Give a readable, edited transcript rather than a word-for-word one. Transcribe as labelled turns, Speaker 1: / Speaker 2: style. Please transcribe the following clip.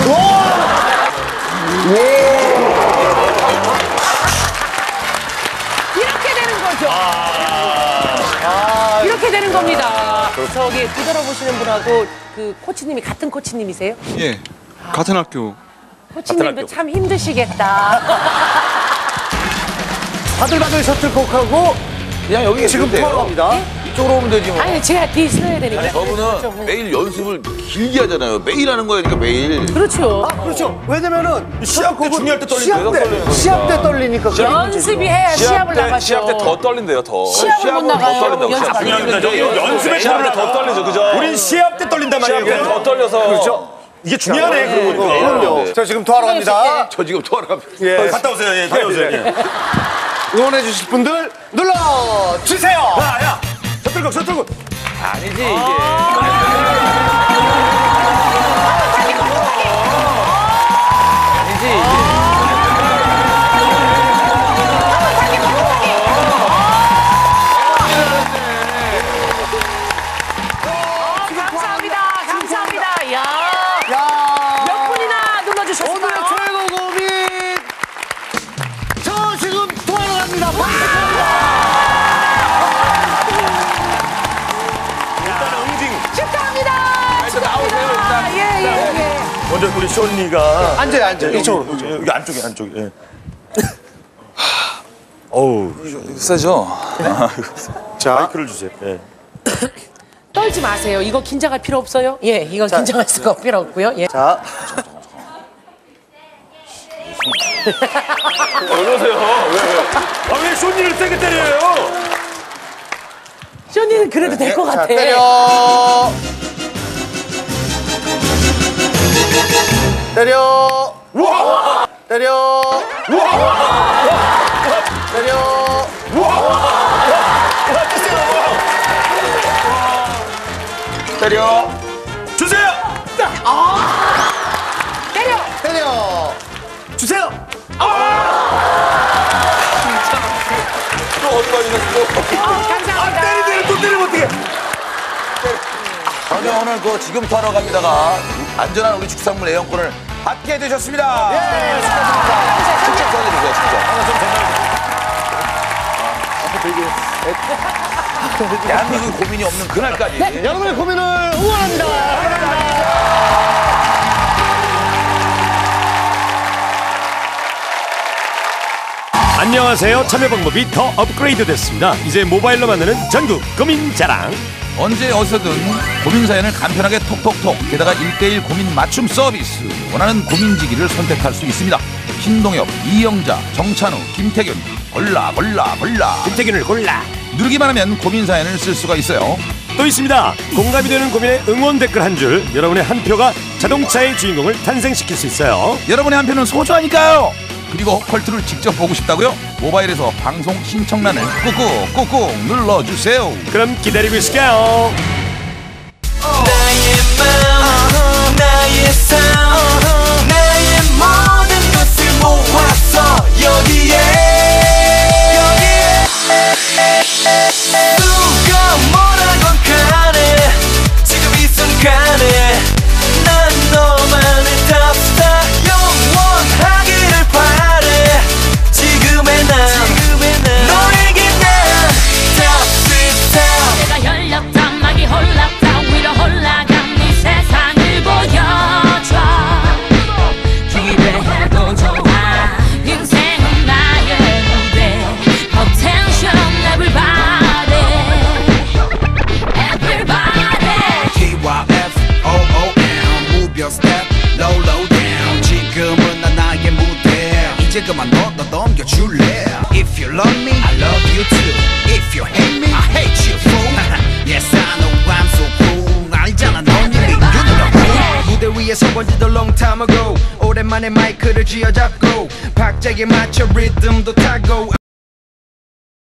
Speaker 1: 이렇게 되는 거죠. 이렇게 되는 겁니다. 저기 뒤돌아보시는 분하고 그 코치님이 같은 코치님이세요?
Speaker 2: 예, 같은 학교.
Speaker 1: 코치님도 참 힘드시겠다.
Speaker 3: 바들바들 셔틀콕하고
Speaker 4: 그냥 여기
Speaker 3: 지금 투어로 갑니다.
Speaker 4: 이쪽으로 오면 되지 뭐.
Speaker 1: 아니 제가 뒤에 있어야 되니까.
Speaker 4: 저분은 매일 연습을 길게 하잖아요. 매일 하는 거예요, 그러니까 매일.
Speaker 1: 그렇죠.
Speaker 3: 그렇죠. 왜냐면은
Speaker 5: 시합 때 중요할 때 떨리니까.
Speaker 3: 시합 때 떨리니까.
Speaker 1: 연습이 해야 시합을 나가죠.
Speaker 5: 시합 때 더 떨린대요, 더.
Speaker 1: 시합을 못 나가요. 연습
Speaker 5: 중요합니다. 연습에 시합 때 더 떨리죠, 그죠? 우린 시합 때 떨린단 말이에요. 시합 때 더 떨려서. 그렇죠. 이게 중요하네,
Speaker 3: 그럼요. 자, 지금 투어로 갑니다.
Speaker 4: 저 지금 투어로 갑니다.
Speaker 5: 예. 갔다 오세요, 예, 다녀오세요. 예.
Speaker 3: 응원해 주실 분들 눌러주세요.
Speaker 5: 야, 셔틀콕.
Speaker 4: 아니지, 이게. 아니지, 이게.
Speaker 1: 감사합니다. 야. 몇 분이나 눌러주셨어요?
Speaker 3: 오늘의 최고 고민. 저 지금 투어로 갑니다.
Speaker 5: 일단은 응징.
Speaker 1: 축하합니다.
Speaker 4: 나오세요, 일단.
Speaker 1: 예.
Speaker 5: 먼저 우리 쇼니가.
Speaker 3: 앉아요. 이쪽으로.
Speaker 5: 여기 안쪽에. 예. 어우,
Speaker 2: 세죠?
Speaker 3: 자,
Speaker 5: 마이크를 주세요. 예.
Speaker 1: 떨지 마세요. 이거 긴장할 필요 없어요. 예, 이건 긴장할 수가 필요 없고요. 예.
Speaker 3: 자.
Speaker 5: 어려세요. 왜? 왜 쇼니를 세게 때려요?
Speaker 1: 쇼니는 그래도 될 것 같아.
Speaker 3: 때려. 때려.
Speaker 5: 우와!
Speaker 3: 때려. 때려.
Speaker 4: 때려.
Speaker 5: 주세요.
Speaker 1: 때려.
Speaker 3: 때려.
Speaker 5: 주세요.
Speaker 4: 또 어디 가시겠어?
Speaker 1: 감사합니다.
Speaker 5: 때리면 또 때리면 어떡해?
Speaker 4: 저는 오늘 그 지금 투어로 갑니다가 안전한 우리 축산물 애용권을 받게 되셨습니다.
Speaker 3: 예, 축하드립니다.
Speaker 4: 직접 전해주세요, 직접. 대한민국 고민이 없는 그날까지.
Speaker 3: 여러분의 고민을 응원합니다.
Speaker 6: 안녕하세요. 참여 방법이 더 업그레이드 됐습니다. 이제 모바일로 만드는 전국 고민자랑.
Speaker 4: 언제 어디서든 고민 사연을 간편하게 톡톡톡 게다가 1:1 고민 맞춤 서비스 원하는 고민지기를 선택할 수 있습니다. 신동엽, 이영자, 정찬우, 김태균 골라
Speaker 6: 김태균을 골라.
Speaker 4: 누르기만 하면 고민 사연을 쓸 수가 있어요.
Speaker 6: 또 있습니다. 공감이 되는 고민의 응원 댓글 한 줄. 여러분의 한 표가 자동차의 주인공을 탄생시킬 수 있어요.
Speaker 4: 여러분의 한 표는 소중하니까요. 그리고 컬투를 직접 보고 싶다고요? 모바일에서 방송 신청란을 꾹꾹 눌러주세요.
Speaker 6: 그럼 기다리고 있을게요.
Speaker 7: 나의 맘, 나의 삶, 나의 모든 것을 모았어 여기에 누가 뭐라건 간에 지금 이 순간에 난 너만의 탑스타 영원하기를 바래 지금의 난 너에게 난 탑스타
Speaker 8: 내가 열렸다 막이 홀랐다 위로 올라간 네 세상을 보여줘 기대해도 좋아 인생은 나의 무대 Attention everybody Everybody
Speaker 7: TYFOOM Move your step low low down 지금은 난 나의 무대 이제 그만 너 넘겨줄래 If you love me I love you too If you hate me I hate you fool Yes I know I'm so cool 알잖아 넌 이미 유능하고 무대 위에 서본 지도 long time ago 오랜만에 마이크를 쥐어잡고 박자에 맞춰 리듬도 타고